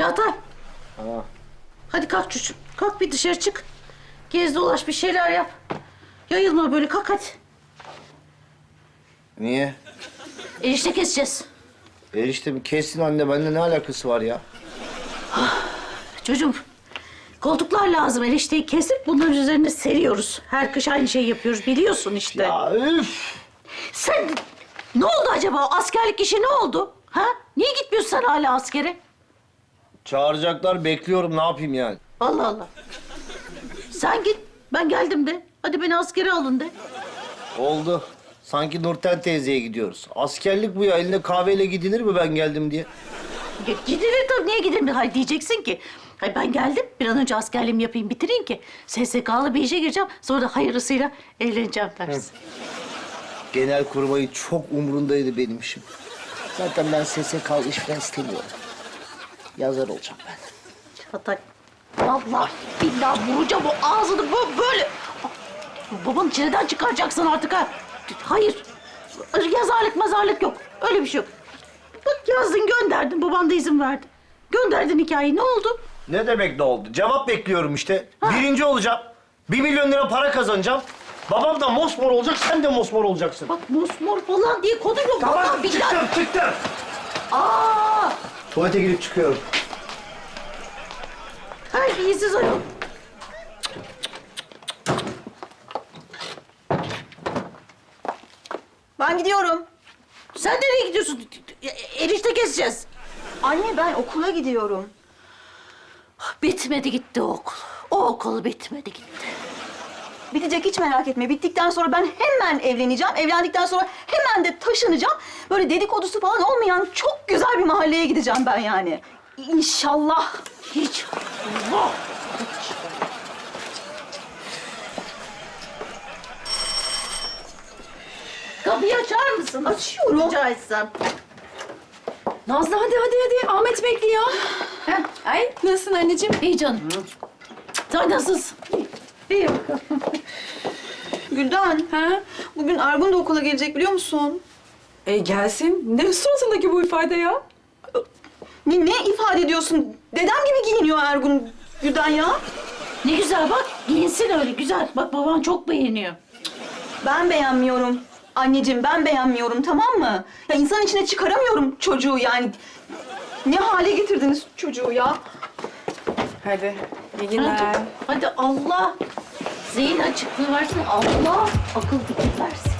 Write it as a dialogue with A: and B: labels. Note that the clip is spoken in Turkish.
A: Çağatay.
B: Ha.
A: Hadi kalk çocuğum. Kalk bir dışarı çık. Gez dolaş bir şeyler yap. Yayılma böyle, kalk hadi.
B: Niye?
A: Erişte keseceğiz.
B: Erişte kessin anne, bende ne alakası var ya?
A: Çocuğum, koltuklar lazım. Erişteyi kesip bunların üzerine seriyoruz. Her kış aynı şeyi yapıyoruz, biliyorsun işte.
B: Ya üf!
A: Sen ne oldu acaba? O askerlik işi ne oldu? Ha? Niye gitmiyorsun sen hala askere?
B: Çağıracaklar, bekliyorum, ne yapayım yani?
A: Allah Allah. Sen git, ben geldim de. Hadi beni askere alın de.
B: Oldu. Sanki Nurten teyzeye gidiyoruz. Askerlik bu ya, eline kahveyle gidilir mi ben geldim diye?
A: Gidilir tabii, niye gidilir? Hayır, diyeceksin ki. Hayır, ben geldim, bir an önce askerliğimi yapayım, bitireyim ki SSK'lı bir işe gireceğim. Sonra da hayırlısıyla evleneceğim dersin.
B: Genelkurmay'ın çok umrundaydı benim işim. Zaten ben SSK'lı iş falan istemiyorum. Yazar olacağım ben.
A: Çağatay, vallahi billahi vuracağım o ağzını böyle. Babanın çileden çıkaracaksın artık ha. Hayır, yazarlık mazarlık yok. Öyle bir şey yok. Bak yazdın, gönderdin, baban da izin verdi. Gönderdin hikayeyi, ne oldu?
B: Ne demek ne oldu? Cevap bekliyorum işte. Birinci olacağım. 1 milyon lira para kazanacağım. Babam da mosmor olacak, sen de mosmor olacaksın.
A: Bak mosmor falan diye kodu yok. Vallahi billahi.
B: çıktım.
A: Aa!
B: Tuvalete girip çıkıyorum.
A: Terbiyesiz ayol.
C: Ben gidiyorum.
A: Sen nereye gidiyorsun? Erişte keseceğiz.
C: Anne ben okula gidiyorum.
A: Bitmedi gitti o okul. O okul bitmedi gitti.
C: Bitecek, hiç merak etme. Bittikten sonra ben hemen evleneceğim. Evlendikten sonra hemen de taşınacağım. Böyle dedikodusu falan olmayan çok güzel bir mahalleye gideceğim ben yani. İnşallah.
A: Hiç. Allah! Kapıyı açar mısın?
C: Açıyorum.
A: Rica etsem.
D: Nazlı hadi. Ahmet bekliyor.
A: Heh.
D: Ay nasılsın anneciğim?
A: İyi canım. Sen nasılsın? İyi bakalım.
C: Gülden,
D: Ha?
C: bugün Ergun da okula gelecek biliyor musun?
D: Gelsin. Ne suratındaki bu ifade ya?
C: Ne ifade ediyorsun? Dedem gibi giyiniyor Ergun, Gülden ya.
A: Ne güzel bak. Giyinsin öyle güzel. Bak baban çok beğeniyor.
C: Ben beğenmiyorum. Anneciğim ben beğenmiyorum, tamam mı? Ya insan içine çıkaramıyorum çocuğu yani. Ne hale getirdiniz çocuğu ya?
D: Hadi. İyi
A: Hadi,
D: günler.
A: hadi Allah zihin açıklığı versin. Allah akıl fikir versin.